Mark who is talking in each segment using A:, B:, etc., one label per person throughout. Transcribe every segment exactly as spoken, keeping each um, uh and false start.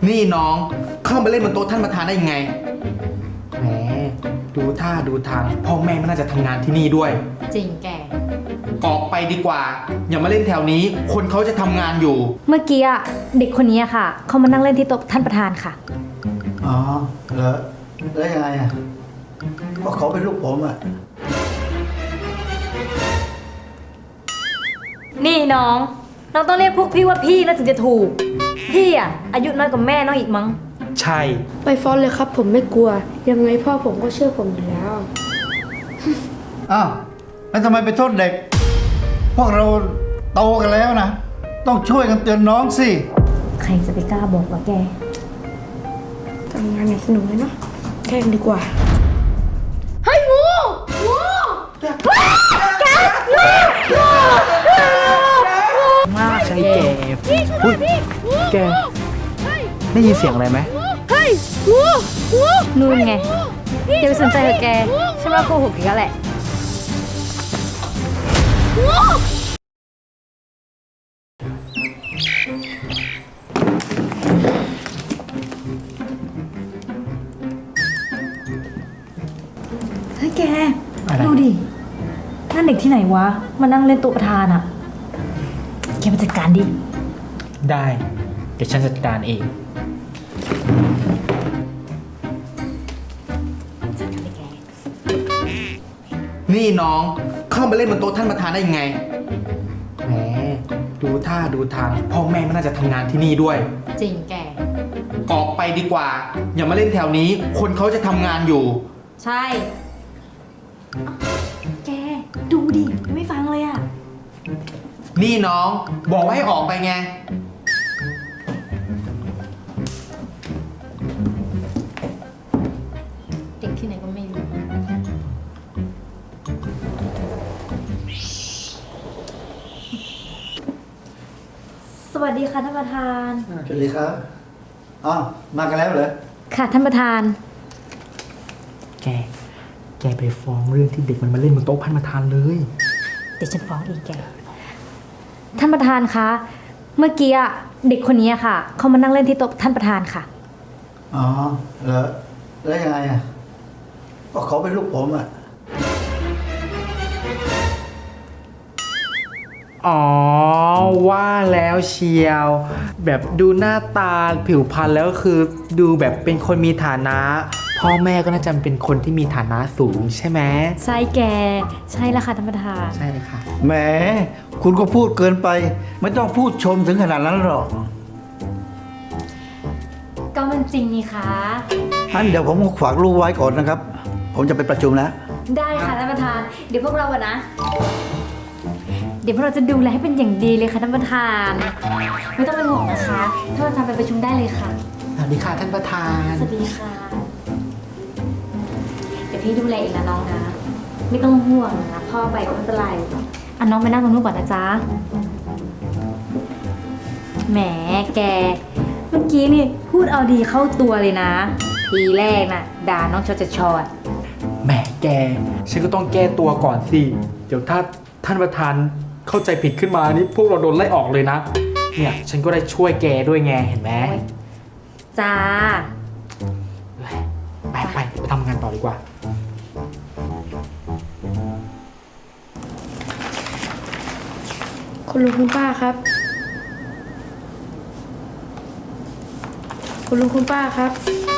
A: นี่น้องเข้ามาเล่นบนโต๊ะท่านประธานได้ยังไงแหมดูท่าดูทางพ่อแม่ไม่น่าจะทำงานที่นี่ด้วย
B: จริงแก
A: ออกไปดีกว่าอย่ามาเล่นแถวนี้คนเขาจะทำงานอยู่
B: เมื่อกี้อะเด็กคนนี้ค่ะเขามานั่งเล่นที่โต๊ะท่านประธานค่ะ
C: อ๋อเหรอแล้วยังไงอ่ะก็เขาเป็นลูกผมอ่ะ
B: นี่น้องน้องต้องเรียกพวกพี่ว่าพี่นะถึงจะถูกพี่อะอายุน้อยกว่าแม่น้องอีกมั้ง
A: ใช่
D: ไปฟ้อนเลยครับผมไม่กลัวยังไงพ่อผมก็เชื่อผมอยู่แล้ว
C: อ้าวแล้วทำไมไปโทษเด็กพวกเราโตกันแล้วนะต้องช่วยกันเตือนน้องสิ
B: ใครจะไปกล้าบอกว่าแก
D: ทำงานอย่างสนุกเลยเนาะแข่งดีกว่า
B: เฮ้ยงูงูแกแกงู
A: มากใช่แกอุ้ยแกได้ยินเสียงอะไรไหม
B: เฮ้ยงูงูนู่นไงอย่าไปสนใจเถอะแกฉันว่าโกหกอีกแล้วแหละเฮ้ยแกดูดินั่นเด็กที่ไหนวะมานั่งเล่นโต๊ะประธานอะแกมาจัดการดิ
A: ได้เดี๋ยวฉันจัดการเอง
B: จัดการเลยแก
A: นี่น้องเข้ามาเล่นบนโต๊ะท่านประธานได้ยังไงแหมดูท่าดูทางพ่อแม่ไม่น่าจะทำงานที่นี่ด้วย
B: จริงแก
A: ออกไปดีกว่าอย่ามาเล่นแถวนี้คนเขาจะทำงานอยู่
B: ใช่แกดูดิไม่ฟังเลยอะ
A: นี่น้องบอกว่าให้ออกไปไง
B: เด็กที่ไหนก็ไม่รู้สวัสดีค่ะท่านประธาน
C: สวัสดีครับอ๋อมากันแล้วเหรอ
B: ค่ะท่านประธาน
A: แกแกไปฟ้องเรื่องที่เด็กมันมาเล่นบนโต๊ะท่านประธานเลย
B: เดี๋ยวฉันฟ้องอีกแกท่านประธานคะเมื่อกี้เด็กคนนี้ค่ะเขามานั่งเล่นที่โต๊ะท่านประธานค่ะ
C: อ๋อเหรอแล้วยังไงอ่ะก็เขาเป็นลูกผมอ่ะ
A: อ๋อว่าแล้วเชียวแบบดูหน้าตาผิวพรรณแล้วคือดูแบบเป็นคนมีฐานะพ่อแม่ก็น่าจะเป็นคนที่มีฐานะสูงใช่ไหม
B: ใช่แกใช่แล้วค่ะท่านประธาน
A: ใช่เลยค่ะ
C: แหมคุณก็พูดเกินไปไม่ต้องพูดชมถึงขนาดนั้นหรอก
B: ก็มันจริงนี่คะ
C: งั้นเดี๋ยวผมฝากลูกไว้ก่อนนะครับผมจะไปประชุมแล้ว
B: ได้ค่ะท่านประธานเดี๋ยวพวกเราอะนะเดี๋ยวพวกเราจะดูแลให้เป็นอย่างดีเลยค่ะท่านประธานไม่ต้องเป็นห่วงนะคะท่านประธานไปประชุมได้เลยค่ะ
A: สวัสดีค่ะท่านประธาน
B: สวัสดีค่ะเดี๋ยวพี่ดูแลเองนะน้องนะไม่ต้องห่วงนะพ่อไปก็ไม่เป็นไรอ่ะน้องไปนั่งตรงนู้นก่อนนะจ๊ะแหมแกเมื่อกี้นี่พูดเอาดีเข้าตัวเลยนะทีแรกน่ะด่าน้องชอจะชอด
A: แหมแกฉันก็ต้องแก้ตัวก่อนสิเดี๋ยวถ้าท่านประธานเข้าใจผิดขึ้นมานี่พวกเราโดนไล่ออกเลยนะเนี่ยฉันก็ได้ช่วยแกด้วยไงเห็นไหม
B: จ้า
A: ไปไปไปทำงานต่อดีกว่า
D: คุณลุงคุณป้าครับคุณลุงคุณป้าครับ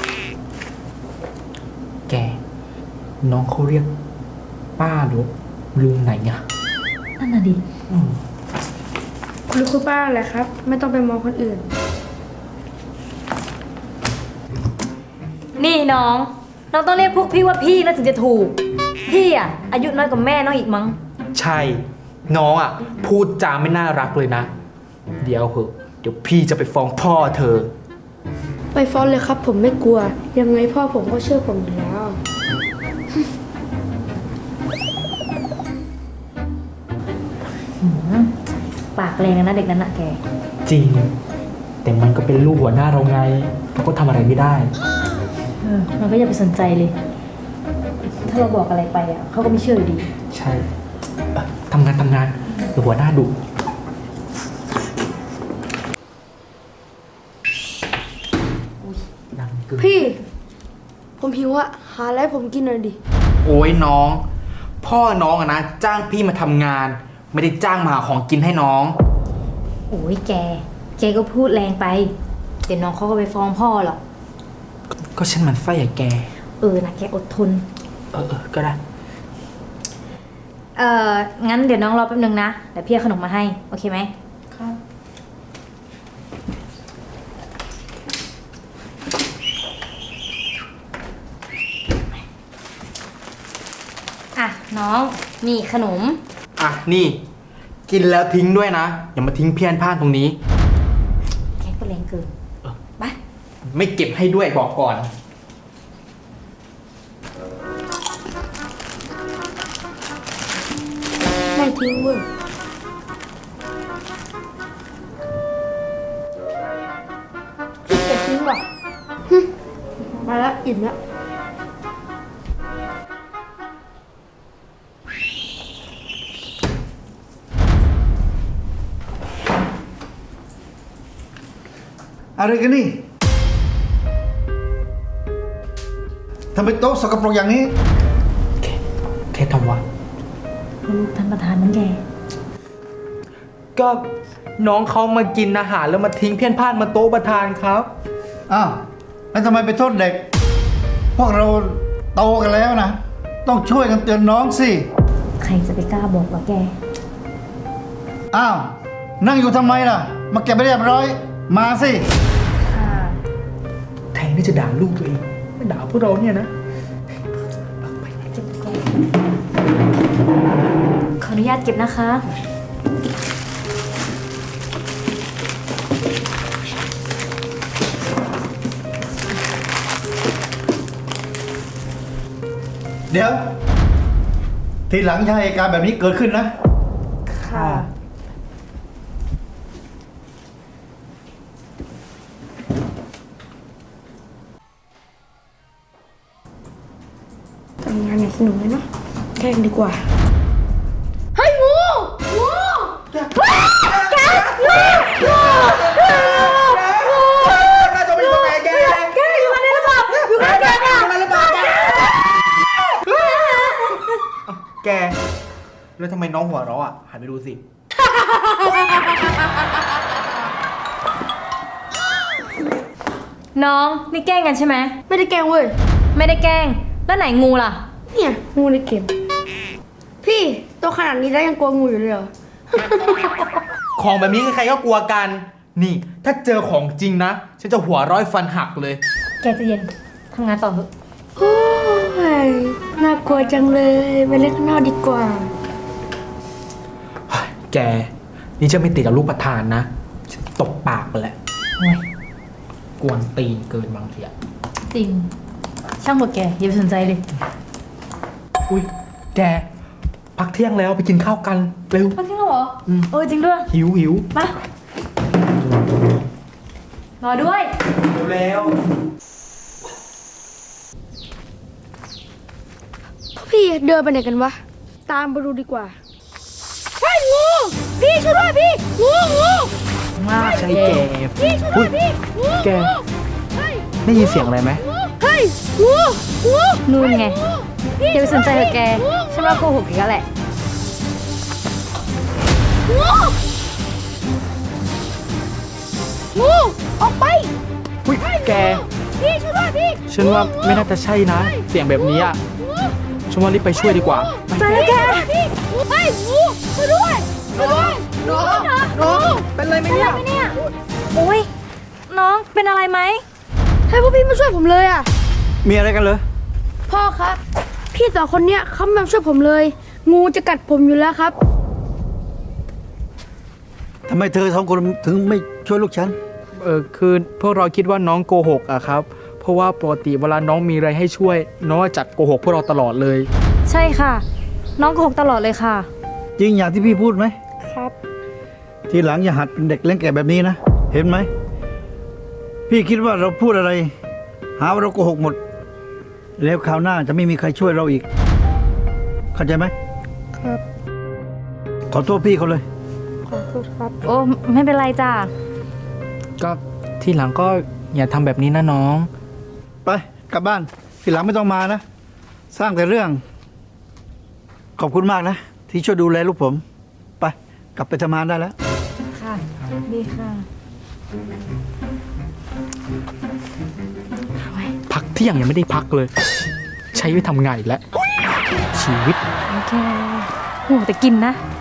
A: แกน้องเขาเรียกป้าหรือลุงไหนเนี่ย
B: นั่นน่ะดิ
D: คุณลุงคุณป้าแหละครับไม่ต้องไปมองคนอื่น
B: นี่น้องน้องต้องเรียกพวกพี่ว่าพี่นะถึงจะถูกพี่อะอายุน้อยกว่าแม่น้องอีกมั้ง
A: ใช่น้องอ่ะพูดจาไม่น่ารักเลยนะเดี๋ยวเหอะเดี๋ยวพี่จะไปฟ้องพ่อเธอ
D: ไปฟ้องเลยครับผมไม่กลัวยังไงพ่อผมก็เชื่อผมอยู่แล้ว
B: ปากแรงนะเด็กนั้นนะแก
A: จริงแต่มันก็เป็นลูกหัวหน้าเราไงเราก็ทำอะไรไม่ได้
B: เออมันก็อย่าไปสนใจเลยถ้าเราบอกอะไรไปอ่ะเขาก็ไม่เชื่ออยู่ดี
A: ใช่ทำงานทำงานเดี๋ยวหัวหน้าดุ
D: พี่ ผมหิวอะหาอะไรให้ผมกินหน่อยดิ
A: โอ้ยน้อง พ่อน้องอะนะจ้างพี่มาทำงาน ไม่ได้จ้างมาหาของกินให้น้อง
B: โอ้ยแก แกก็พูดแรงไป เดี๋ยวน้องเขาก็ไปฟ้องพ่อหรอก
A: ก็ฉันมันไส้อะแก
B: เออนะแกอดทน
A: เออเออก็ได้
B: เอองั้นเดี๋ยวน้องรอแป๊บนึงนะ เดี๋ยวพี่เอาขนมมาให้ โอเคไหม
A: ครับ
B: อ่ะ น้องนี่ขนม
A: อ่ะนี่ กินแล้วทิ้งด้วยนะ อย่ามาทิ้งเพี้ยนพลาดตรงนี้
B: แกก็แรงเกินไป
A: ไม่เก็บให้ด้วยบอกก่อน
D: ไม่ทิ้งเว้ยขี้เกียจทิ้งว่ะฮึมาแล้วอิ่มแล้ว
C: อะไรกันนี่ทำไมโต๊ะสกปรกอย่างนี้
A: เททำวะ
B: ลูกท่านประธานนั่นแก
A: ก็น้องเขามากินอาหารแล้วมาทิ้งเพี้ยนพลาดมาโต๊ะประธานครับ
C: อ้าวแล้วทำไมไปโทษเด็ก พวกเราโตกันแล้วนะ ต้องช่วยกันเตือนน้องสิ
B: ใครจะไปกล้าบอกว่าแก
C: อ้าว นั่งอยู่ทำไมล่ะ มาเก็บไปเรียบร้อย มาสิ
B: ค่ะ
A: แทนที่จะด่าลูกตัวเองไม่ด่าพวกเราเนี่ยนะ
B: เก็บก่อนขออนุญาตเก็บนะคะ
C: เดี๋ยว ทีหลังอย่าให้เหตุการณ์แบบนี้เกิดขึ้นนะ
A: ค่ะ
D: ทำงานอย่างสนุกเลยเนาะแกล้งดีกว่า เฮ้ยงูงูว้าวแกงูงู
A: น่าจะไม่อยู่ตรงไหนแก
D: แกอยู่กันในระบบอยู่กันแกอะ
A: มันระเบิดแกแก แล้วทำไมน้องหัวเราะอ่ะ หันไปดูสิ
B: น้องนี่แกล้งกันใช่ไหม
D: ไม่ได้แกล้งเว้ย
B: ไม่ได้แกล้ง แล้วไหนงูล่ะ
D: เนี่ยงูในเกมพี่โตขนาดนี้แล้วยังกลัวงูอยู่เลยเหรอ
A: ของแบบนี้ใครๆก็กลัวกัน นี่ ถ้าเจอของจริงนะ ฉันจะหัวร้อยฟันหักเลย
B: แกใจะเย็น ทำงานต่อเถอะ
D: โอ้ยน่ากลัวจังเลยไปเล่นข้างนอกดีกว่า
A: แก นี่จะไม่ติดกับลูกประธานนะ ฉันตบปากไปแล้ว
B: โอ้ย
A: กวนตีนเกินบางทีอะ
B: จริง ช่างหมดแก อย่าไปสนใจเลย
A: อุ้ย แก พักเที่ยงแล้วไปกินข้าวกัน เร็ว
B: มาที่เราเหรอ
A: อืม
B: เออจริงด้วย
A: หิวหิว
B: มา รอด้วย
A: เร็ว
D: พี่เดินไปไหนกันวะ ตามไปดูดีกว่าเฮ้ยงูพี่ช่วยด้วยพี่งูงู
A: มากใช่แก
D: พี่ช่วยด้วยพี่งู
A: แก
D: เฮ้ย
A: ได้ยินเสียงอะไรไหม
D: เฮ้ยงูงู
B: นู่นไง
D: พี่
B: อย่าไปสนใจเถอะแก ฉันว่าโกหกอีกแล้วแหละ
D: งูงูออกไป
A: อุ้ย แก
D: พี่ช่วยด้วยพี่
A: ฉันว่าไม่น่าจะใช่นะ เสียงแบบนี้อะฉันว่ารีบไปช่วยดีกว่า
D: ไปเลยแกพี่เฮ้ยงูช่วยด้วยช่วยด้วยน้องน้อง
A: เป็นไรไหมเนี่ย
B: ไม่เนี่ย โอ้ย น้องเป็นอะไรไหม
D: ให้พวกพี่มาช่วยผมเลยอ่ะ
C: มีอะไรกันเหรอ
D: พ่อครับ พี่สองคนเนี้ยเขาไม่มาช่วยผมเลย งูจะกัดผมอยู่แล้วครับ
C: ทำไมเธอสองคนถึงไม่ช่วยลูกฉัน
A: เออคือพวกเราคิดว่าน้องโกหกอะครับ เพราะว่าปกติเวลาน้องมีอะไรให้ช่วย น้องจะโกหกพวกเราตลอดเลย
B: ใช่ค่ะ น้องโกหกตลอดเลยค่ะ
C: จริงอย่างที่พี่พูดไหม
D: ครับ
C: ทีหลังอย่าหัดเป็นเด็กเล่นแก่แบบนี้นะ เห็นไหม พี่คิดว่าเราพูดอะไร หาว่าเราโกหกหมด แล้วคราวหน้าจะไม่มีใครช่วยเราอีก เข้าใจไหม
D: ครับ
C: ขอโทษพี่เขาเลย
D: ขอโทษครับ
B: โอ้ไม่เป็นไรจ้ะ
A: ก็ที่หลังก็อย่าทำแบบนี้นะน้อง
C: ไปกลับบ้านทีหลังไม่ต้องมานะ สร้างแต่เรื่อง ขอบคุณมากนะ ที่ช่วยดูแลลูกผม ไป กลับไปทำงานได้แล้ว
D: ค่ะ ดีค่ะ
A: พักเที่ยงยังไม่ได้พักเลย ใช้ไปทำงานอีกแล้ว ชีวิต
B: โอเคโหแต่กินนะ